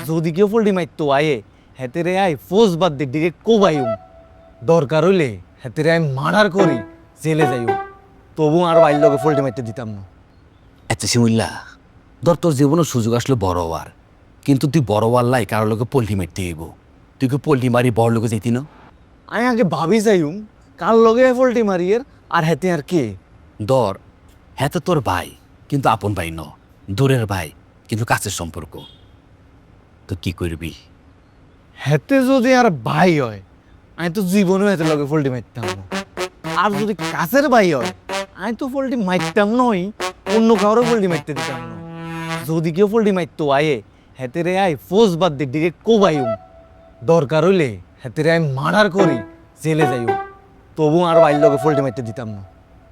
যদি কেউ পোল্ট্রি মারতো আয়ে হেতেরে আয় ফোজ বাদ দিয়ে ডিরেক্ট কোবাইম দরকার হইলে হেতেরে আয় মার্ডার করি জেলে যাইও তবু আর বাইর লগে পোল্ট্রি মারতে দিতাম না। আচ্ছা শিমুল্লা, ধর তোর জীবনে সুযোগ আসলো বড় হওয়ার, কিন্তু তুই বড় হওয়ার লাই কারো লোকে পোল্ট্রি মারতে হইব, তুই কি পোল্ট্রি মারি বড় লোকে যেতি না? আমি আগে ভাবি যাইম কার লগে পোল্ট্রি মারিয়ের আর হেতে আর কে। ধর হ্যাঁ তো তোর ভাই, কিন্তু আপন ভাই ন, দূরের ভাই কিন্তু কাছের সম্পর্ক, তো কি করবি? হেতে যদি আর ভাই হয় আমি তো জীবনেও হেতে লগে পোল্ট্রি মারতাম না। আর যদি কাছের ভাই হয় আমি তো পোল্ট্রি মারতাম নই, অন্য কারো পোল্ট্রি মারতে দিতাম না। যদি কেউ পোল্ট্রি মারতো আয়ে হেতেরে আয় ফোজ বাদ দিয়ে ডিরেক্ট কোবাইম দরকার হইলে হেতেরে আয় মার্ডার করি জেলে যাইও তবু আর বাইর লগে পোল্ট্রি মারতে দিতাম না।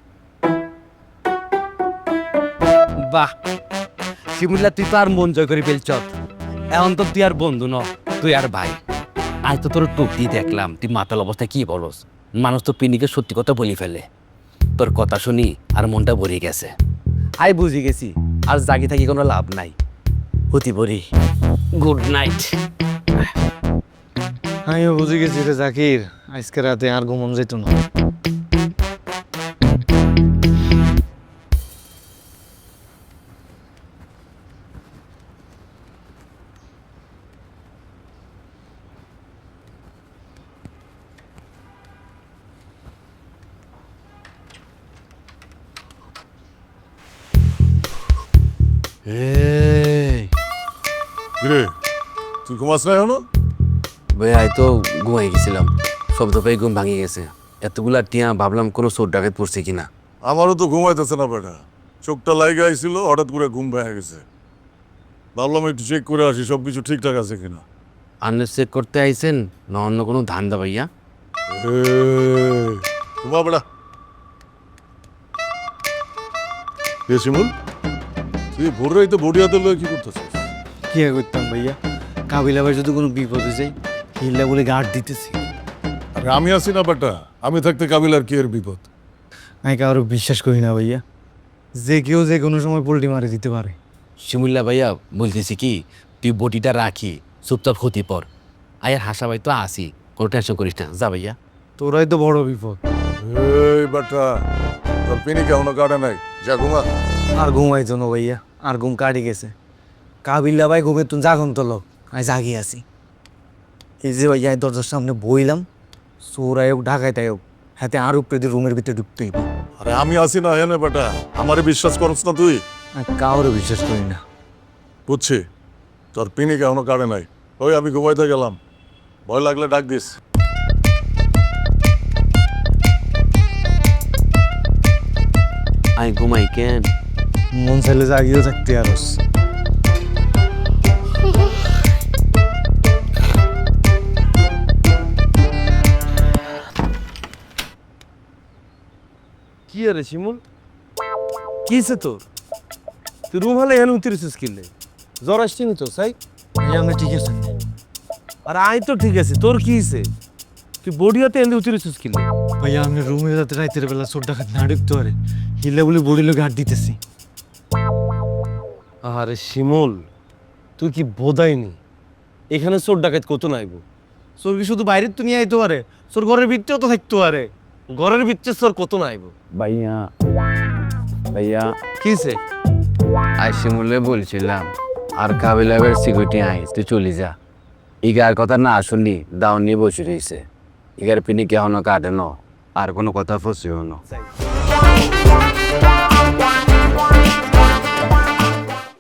বাহ শিমুল্লা, তুই তো আর মন জয় করে ফেলছ, এখন তো তুই আর বন্ধু ন, তুই আর ভাই। আজ তো তোর টুক দিয়ে দেখলাম তুই মাতাল অবস্থায় কি বলস, মানুষ তো পিনিকে সত্যি কথা বলি ফেলে। তোর কথা শুনি আর মনটা ভরে গেছে। আই বুঝি গেছি আর জাগি থাকি কোনো লাভ নাই, হতি বরি। Good night. আমিও বুঝে গেছি রে জাকির, আজকে রাতে আর ঘুমন যেত না। কিরে তুই ঘুমাস না এখনো? ভাই আই তো ঘুমাই গেছিলাম, শব্দ পেয়ে ঘুম ভাঙিয়ে গেছে। এতগুলা টিয়া ভাবলাম কোনো চোর ডাকাত পড়ছে কিনা। আমারও তো ঘুমাইতেছে না বেটা, চোখটা লাইগে আইছিল হঠাৎ করে ঘুম ভেঙে গেছে। ভাবলাম একটু চেক করে আসি সব কিছু ঠিকঠাক আছে কিনা। আন্দাজ চেক করতে আইছেন না অন্য কোনো ধান্দা ভাইয়া? ঘুমা বেটা। শিমুল, তুই ভোর রাইতে বডি হাতে লয়ে কি করতেছিস? কি আর করতাম ভাইয়া, কাবিল আবার যদি কোনো বিপদে যাই হিল্লা বলে গার্ড দিতেছি। আরে আমি আছি না বেটা, আমি থাকতে কাবিলার কি এর বিপদ? আমি কারো বিশ্বাস করি না ভাইয়া, যে কেউ যে কোনো সময় পোল্ট্রি মারি দিতে পারে। শিমুল্লা ভাইয়া বলতেছি কি, তুই বটিটা রাখি চুপচাপ ক্ষতি পর। আয়ার হাসা ভাই তো আসি, কোনো টেনশন করিস না, যা ভাইয়া। তোরাই তো বড় বিপদ। এই বেটা, তোর পিনি কেমন কাটে নাই, যা ঘুমা। আর ঘুমাইতো না ভাইয়া, আর ঘুম কাটি গেছে। কাবিল্লা ভাই ঘুমে তুমি জাগন তো লোক, আমি জাগি আছি। এই যে ভাইয়া এই দরজার সামনে বইলাম, চোরাই হোক ঢাকাইতাই হোক হাতে আর উপরে দিয়ে রুমের ভিতরে ঢুকতেই। আরে আমি আছি না হেনে বেটা, আমারে বিশ্বাস করছ না তুই? আমি কাউরে বিশ্বাস করি না। বুঝছি, তোর পিনি কেমন কাটে নাই। ওই আমি ঘুমাইতে গেলাম, ভয় লাগলে ডাক দিস। আই ঘুমাই কেন? মন চাইলে জাগিয়েও থাকতে আরস। কি আরে শিমুল, কিছে তোর? তুই রুম হলে এখানে উতরিছিস কিনলে জ্বর আসছে নি তো সাই? আমি ঠিক আছে আর আই তো ঠিক আছে, তোর কি হয়েছে? তুই বডিয়াতে এনে উতরিছিস কিনলে? ভাইয়া আমি রুমে যাতে রাইতের বেলা চোর ডাকাত না ঢুকতে পারে হিল্লা বলে বড়ি লোক হাত দিতেছি। আরে শিমুল, তুই কি বোধাইনি এখানে চোর ডাকাত কত নাইব? চোর কি শুধু বাইরের তো নিয়ে আইতে পারে, চোর ঘরের ভিতরেও তো থাকতে পারে। ঘরের ভিতরে চোর কত নাইব? ভাইয়া ভাইয়া কিছে? আই শিমুলে বলছিলাম আর কাবিলাবের সিকিউরিটি আই, তুই চলে যা। ইগার কথা না শুনলি দাও নিয়ে বসে রয়েছে, ইগার পিনি কেহনো কাটে ন, আর কোনো কথা ফসিও না।